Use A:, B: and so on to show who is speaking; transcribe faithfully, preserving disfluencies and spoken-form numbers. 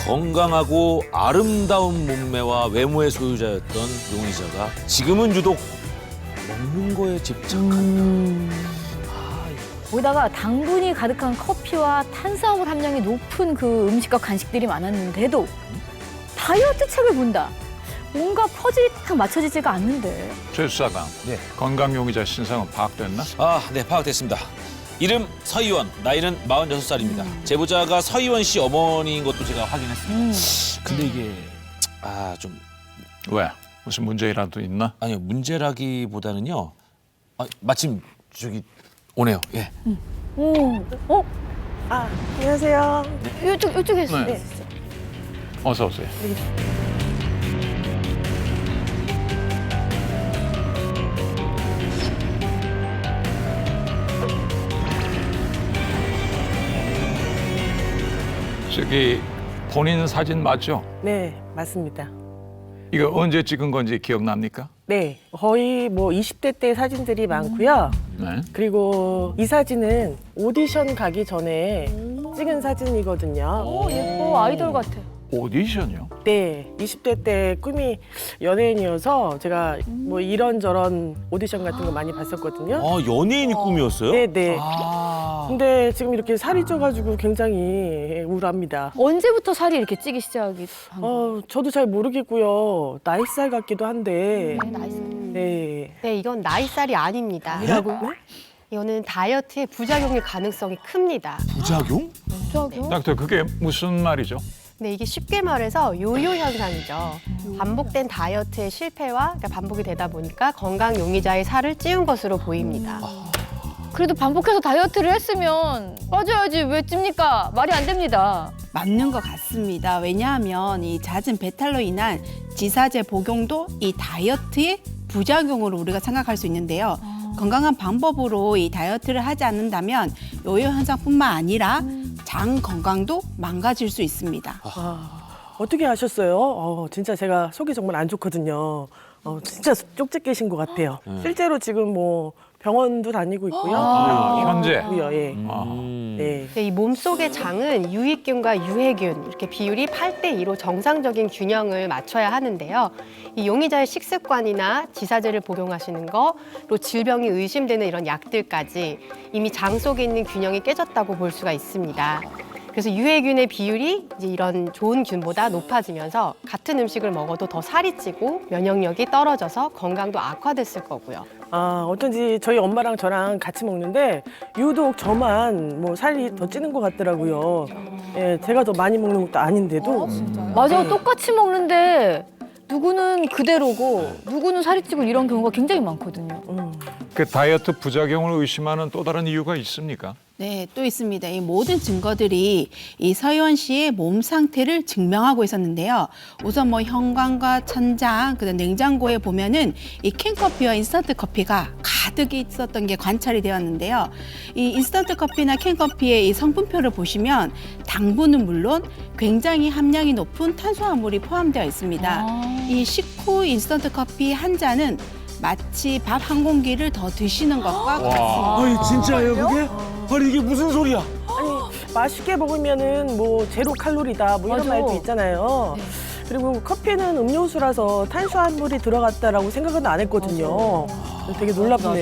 A: 건강하고 아름다운 몸매와 외모의 소유자였던 용의자가 지금은 유독 먹는 거에 집착한다.
B: 음.
A: 아,
B: 거기다가 당분이 가득한 커피와 탄수화물 함량이 높은 그 음식과 간식들이 많았는데도 다이어트 책을 본다. 뭔가 퍼즐이 딱 맞춰지지가 않는데.
C: 최 수사관,
A: 네.
C: 건강 용의자 신상은 파악됐나?
A: 아, 네, 파악됐습니다. 이름 서희원, 나이는 마흔여섯 살입니다. 제보자가 서희원 씨 어머니인 것도 제가 확인했습니다.
B: 음.
A: 근데 이게 아, 좀
C: 왜? 무슨 문제라도 있나?
A: 아니요, 문제라기보다는요. 아, 마침 저기 오네요. 예.
B: 오, 어?
D: 아, 안녕하세요.
B: 이쪽, 이쪽에서.
C: 네. 어서 오세요. 저기 본인 사진 맞죠?
D: 네, 맞습니다.
C: 이거 언제 찍은 건지 기억납니까?
D: 네, 거의 뭐 이십 대 때 사진들이 많고요.
C: 네.
D: 그리고 이 사진은 오디션 가기 전에 찍은 사진이거든요.
B: 오, 예뻐. 아이돌 같아.
C: 오디션이요?
D: 네, 이십 대 때 꿈이 연예인이어서 제가 뭐 이런저런 오디션 같은 거 많이 봤었거든요.
A: 아, 연예인이 꿈이었어요?
D: 네, 네.
A: 아.
D: 근데 지금 이렇게 살이 쪄가지고 굉장히 우울합니다.
B: 언제부터 살이 이렇게 찌기 시작이 한 거예요?
D: 어, 저도 잘 모르겠고요. 나이살 같기도 한데.
B: 네, 나이 살.
D: 네.
E: 네, 이건 나이살이 아닙니다.
B: 아니라고요?
E: 이거는 다이어트의 부작용일 가능성이 큽니다.
A: 부작용?
B: 부작용?
C: 닥터, 그게 무슨 말이죠?
E: 네, 이게 쉽게 말해서 요요 현상이죠. 반복된 다이어트의 실패와 그러니까 반복이 되다 보니까 건강 용의자의 살을 찌운 것으로 보입니다.
B: 그래도 반복해서 다이어트를 했으면 빠져야지 왜 찝니까? 말이 안 됩니다.
F: 맞는 것 같습니다. 왜냐하면 이 잦은 배탈로 인한 지사제 복용도 이 다이어트의 부작용으로 우리가 생각할 수 있는데요. 건강한 방법으로 이 다이어트를 하지 않는다면 요요 현상뿐만 아니라 장 건강도 망가질 수 있습니다.
D: 아, 어떻게 아셨어요? 어, 진짜 제가 속이 정말 안 좋거든요. 어, 진짜 쪽지 깨신 것 같아요. 실제로 지금 뭐 병원도 다니고 있고요.
C: 아, 현재?
D: 있고요, 예.
C: 아.
A: 음.
D: 네.
E: 네, 이 몸속의 장은 유익균과 유해균 이렇게 비율이 팔 대 이로 정상적인 균형을 맞춰야 하는데요. 이 용의자의 식습관이나 지사제를 복용하시는 거로 질병이 의심되는 이런 약들까지 이미 장 속에 있는 균형이 깨졌다고 볼 수가 있습니다. 그래서 유해균의 비율이 이제 이런 좋은 균보다 높아지면서 같은 음식을 먹어도 더 살이 찌고 면역력이 떨어져서 건강도 악화됐을 거고요.
D: 아, 어쩐지 저희 엄마랑 저랑 같이 먹는데 유독 저만 뭐 살이 더 찌는 것 같더라고요. 예, 제가 더 많이 먹는 것도 아닌데도.
B: 맞아, 똑같이 먹는데 누구는 그대로고 누구는 살이 찌고 이런 경우가 굉장히 많거든요.
D: 음.
C: 그 다이어트 부작용을 의심하는 또 다른 이유가 있습니까?
F: 네, 또 있습니다. 이 모든 증거들이 이 서희원 씨의 몸 상태를 증명하고 있었는데요. 우선 뭐 현관과 천장, 그다음 냉장고에 보면은 이 캔커피와 인스턴트 커피가 가득 있었던 게 관찰이 되었는데요. 이 인스턴트 커피나 캔커피의 이 성분표를 보시면 당분은 물론 굉장히 함량이 높은 탄수화물이 포함되어 있습니다.
B: 아.
F: 이 식후 인스턴트 커피 한 잔은 마치 밥 한 공기를 더 드시는 것과 같습니다.
A: 아니, 진짜예요, 그게? 아니, 이게 무슨 소리야?
D: 아니, 맛있게 먹으면은 뭐 제로 칼로리다 뭐 이런
B: 맞아.
D: 말도 있잖아요. 그리고 커피는 음료수라서 탄수화물이 들어갔다라고 생각은 안 했거든요. 되게 놀랍네요.